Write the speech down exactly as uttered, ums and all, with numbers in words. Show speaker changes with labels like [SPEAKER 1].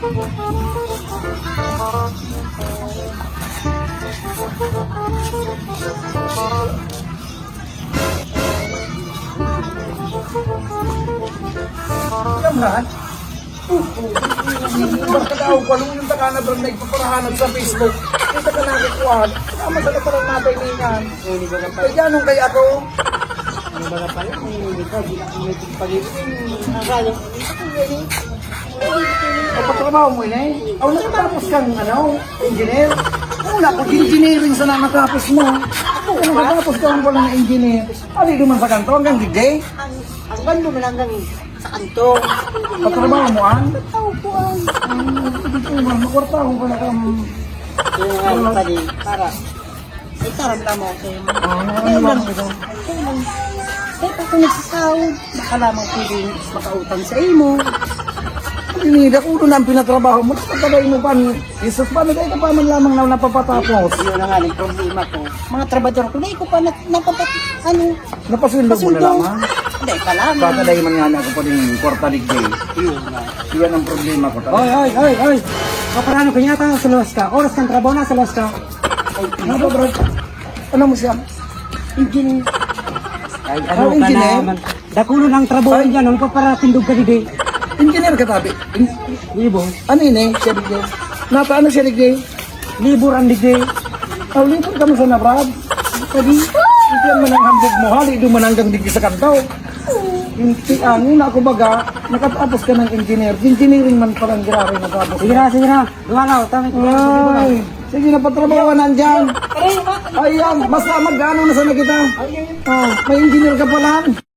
[SPEAKER 1] Yaman? Baka daw, walong yung takana doon na ipaparahanap sa Facebook. Kita ka nakikuhan. Tama sa katarang natin niyan. Kaya ganun kaya ako.
[SPEAKER 2] Ano ba na pala? Hindi ka, hindi ka may pagpagiging. Nakakala ko.
[SPEAKER 1] O patrabaho mo yun eh. O nakatapos kang ano, engineer. Wala ko, engineering sana natapos mo. Kung nakatapos ka ang wala na engineer. Ano yung man sa kanto hanggang gigay?
[SPEAKER 2] Ang ang bando mo lang hanggang sa kanto.
[SPEAKER 1] Patrabaho mo an?
[SPEAKER 2] Tao po ang.
[SPEAKER 1] Makwartaho ka na kang...
[SPEAKER 2] Yung nga yung pali, para. Ay, taramdam mo kayo.
[SPEAKER 1] Ah,
[SPEAKER 2] Kaya
[SPEAKER 1] ano
[SPEAKER 2] lang.
[SPEAKER 1] ba ito?
[SPEAKER 2] Kaya lang. Kaya pa kung nagsasahod, baka lamang pwedeng makautang sa imo.
[SPEAKER 1] Pinida ko doon ang pinatrabaho mo. Pagkabay mo pa ni Jesus, paano kayo ka pa man lamang na napapatapos?
[SPEAKER 2] Yun na nga yung problema ko. Mga trabador ko, na ko pa na, napapat, ano,
[SPEAKER 1] Napasundo mo na
[SPEAKER 2] pasuldo.
[SPEAKER 1] lamang.
[SPEAKER 2] Hindi, pa lamang.
[SPEAKER 1] Baka dahil man nga na ako pa rin kwarta ligday.
[SPEAKER 2] Yun nga.
[SPEAKER 1] Iyan ang problema ko talaga.
[SPEAKER 3] Oy, oy, oy, oy. Kaparano kanya tayo sa luwas ka. Oras kang trabaho na sa luwas ka.
[SPEAKER 1] Ano ba bro? Ano mo siya?
[SPEAKER 2] Engine.
[SPEAKER 3] Ay,
[SPEAKER 1] ano ka naman.
[SPEAKER 3] Dakulo ng trabaho
[SPEAKER 1] Ay.
[SPEAKER 3] dyan. Ano pa para tindog ka didi?
[SPEAKER 1] Engineer ka tabi.
[SPEAKER 3] Libo.
[SPEAKER 1] Ano yun eh? Siya ligday. Nata ano siya ligday?
[SPEAKER 3] Libur ang didi.
[SPEAKER 1] Oh, libre ka mo sa nabrad. Pwede. Hindi man ang hambog mo. Hali doon man hanggang digdi sa kantaw. Hindi, ah, nuna ako baga, nakatapos ka ng engineer. Engineering man palang grabe natapos.
[SPEAKER 3] Sige na, sige na. Lumalaw. Tama ko.
[SPEAKER 1] Ay, sige na patrabaho nandyan. Ayan, basta magkano na sana kita. Oh, may engineer ka pala.